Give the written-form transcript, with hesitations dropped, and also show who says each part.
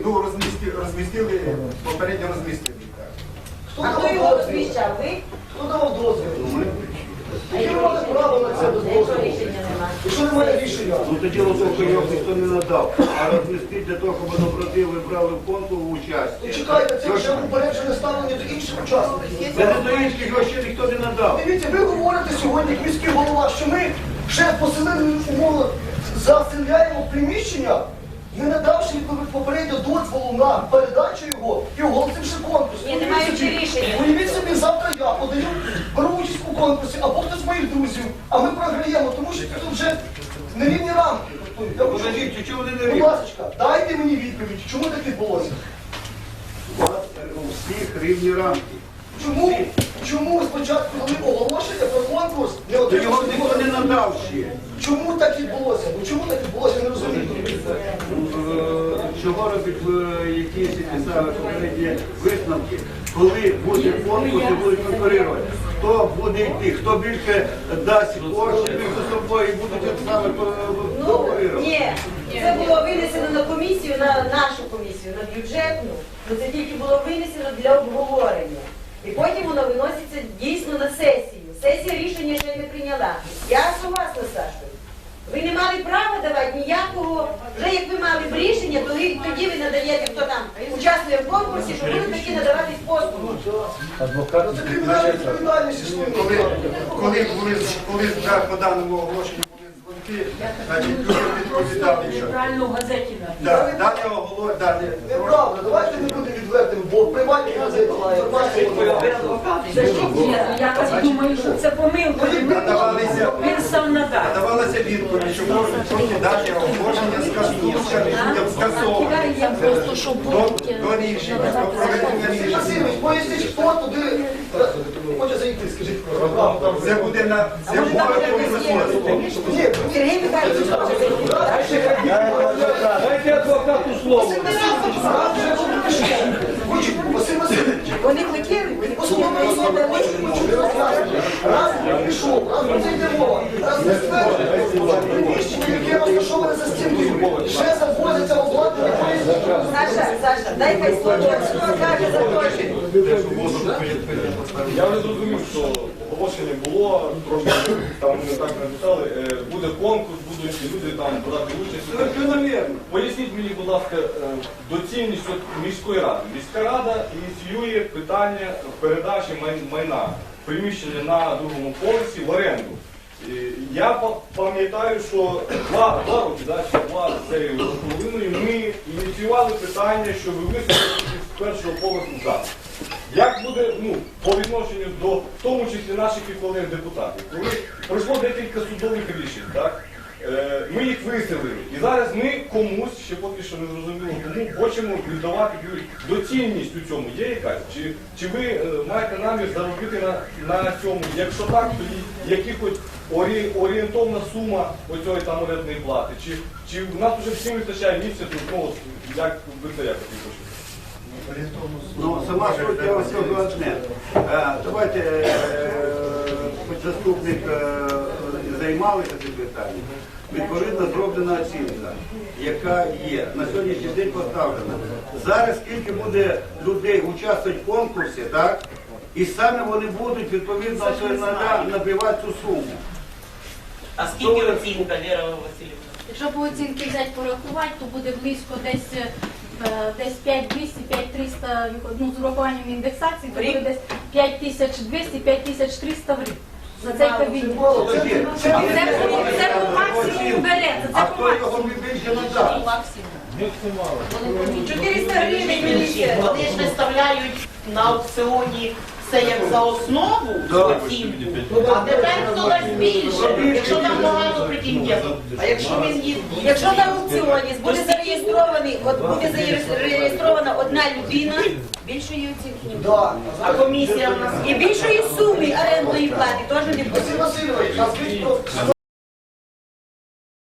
Speaker 1: ну, розмістили, попередньо розмістили.
Speaker 2: А хто його розміщав? Ви?
Speaker 3: Хто давав дозвіл?
Speaker 2: А
Speaker 3: Яке
Speaker 2: його
Speaker 3: має право на це без
Speaker 2: Якщо
Speaker 3: дозволу?
Speaker 2: рішення немає.
Speaker 3: Якщо немає рішення,
Speaker 4: Ну тоді лозовку його ніхто не надав. А розмістити для того, щоб доброділи брали в конкурс участь.
Speaker 3: то чекайте, це вже упереджене ставлення до інших учасників.
Speaker 4: Це не до інших, його ще ніхто не надав.
Speaker 3: Дивіться, ви говорите сьогодні, як міський голова, що ми ще поселили умови, заселяємо приміщення, не надавши попередньо дозволу на передачу його і оголосивши конкурс.
Speaker 2: Ні, не маючи рішення.
Speaker 3: Уявіть собі, завтра я подаю, беру участь у конкурсі, або хтось з моїх друзів, а ми програємо, тому що тут вже нерівні рамки. Я хочу,
Speaker 4: Подождіть, чого вони не
Speaker 3: будь
Speaker 4: рівні?
Speaker 3: ласка, дайте мені відповідь, чому так відбулося?
Speaker 4: У вас у всіх рівні рамки.
Speaker 3: Чому спочатку дали оголошення про конкурс, не
Speaker 4: То його
Speaker 3: отримали
Speaker 4: ніхто не надав ще.
Speaker 3: Чому так відбулося? Ну чому так відбулося, я не розумію.
Speaker 4: Чого робить якісь писали попередні висновки, коли буде конкурс і будуть конкурувати? Хто буде йти, хто більше дасть коштів між собою і будуть саме
Speaker 2: Ну,
Speaker 4: конкурувати?
Speaker 2: ні, це було винесено на комісію, на нашу комісію, на бюджетну, але це тільки було винесено для обговорення. І потім воно виноситься дійсно на сесію. Сесія рішення ще не прийняла. Я согласна з Сашою. Ви не мали права давати ніякого, вже як ви мали б рішення, то тоді ви надаєте, хто там участвує в конкурсі, що будуть такі надаватись послуги.
Speaker 3: Ну це кримінальна відповідальність існує.
Speaker 1: Коли по даному оголошенню були дзвонки, значить, люди відповідали, що
Speaker 5: Правильно в газеті
Speaker 1: дане оголошення, дане
Speaker 3: Неправда, давайте не будемо відвертими, бо в приватній газеті інформація.
Speaker 5: Я так думаю, що це помилка. Він сам надав.
Speaker 1: надавалася відповідь, що можуть проти дати оголошення скасовувати до рішення, до проведення рішення.
Speaker 3: Васильович, поясніть, хто туди хоче зайти, скажіть.
Speaker 1: Це буде на це буде
Speaker 3: Ні,
Speaker 2: Сергій Михайлович,
Speaker 6: Дайте адвокату слово.
Speaker 3: Василь Васильович,
Speaker 2: вони хотіли,
Speaker 3: послухайте, раз пішов, раз про це йде мова, раз не стверджує, приміщення, яке розташоване за стіною, ще завозиться обладнання,
Speaker 2: Саша, дай хай слово, хто каже за те,
Speaker 6: Я вже зрозумів, що оголошення було, трошки там не так написали, буде конкурс, будуть люди там брати участь.
Speaker 4: Закономірно.
Speaker 6: Поясніть мені, будь ласка, доцільність міської ради. Міська рада ініціює питання передачі майна, приміщення на другому поверсі в оренду. Я пам'ятаю, що два роки, чи два з цією половиною, ми ініціювали питання, що вивезти з першого поверху за. Як буде по відношенню до, в тому числі наших і колег депутатів, коли пройшло декілька судових рішень, так? Ми їх виселили. І зараз ми комусь, ще поки що не зрозуміло кому, хочемо віддавати доцільність у цьому. Є якась? Чи ви маєте намір заробити на цьому? Якщо так, тоді якихось орієнтовна сума оцієї там орендної плати? Чи в нас вже всім вистачає місця, як ви це якось відпочите?
Speaker 4: Ну, сама суть я ось цього одне. Давайте, хоч заступник займалися цим питанням, відповідно зроблена оцінка, яка є, на сьогоднішній день поставлена. Зараз скільки буде людей участвувати в конкурсі, так? І саме вони будуть відповідно набивати цю суму.
Speaker 7: А скільки оцінка, Віра Васильівна?
Speaker 8: Якщо по оцінки взяти порахувати, то буде близько десь 5200, 5300, ну, з урахуванням індексації, то буде десь 5200, 5300 в рік. За цей кабінет. Це по максимуму береться.
Speaker 4: А хто його більше надав?
Speaker 2: 400 гривень міліція.
Speaker 7: Вони ж виставляють на аукціоні все як за основу оцінку, а тепер хто дасть більше, якщо там багато претендентів. А якщо він є...
Speaker 2: Якщо на аукціоні буде зареєстрована одна людина, більшої оцінки не буде.
Speaker 7: А комісія в нас
Speaker 2: І більшої суми орендної плати теж не буде.
Speaker 3: Василь Васильович, а скажіть про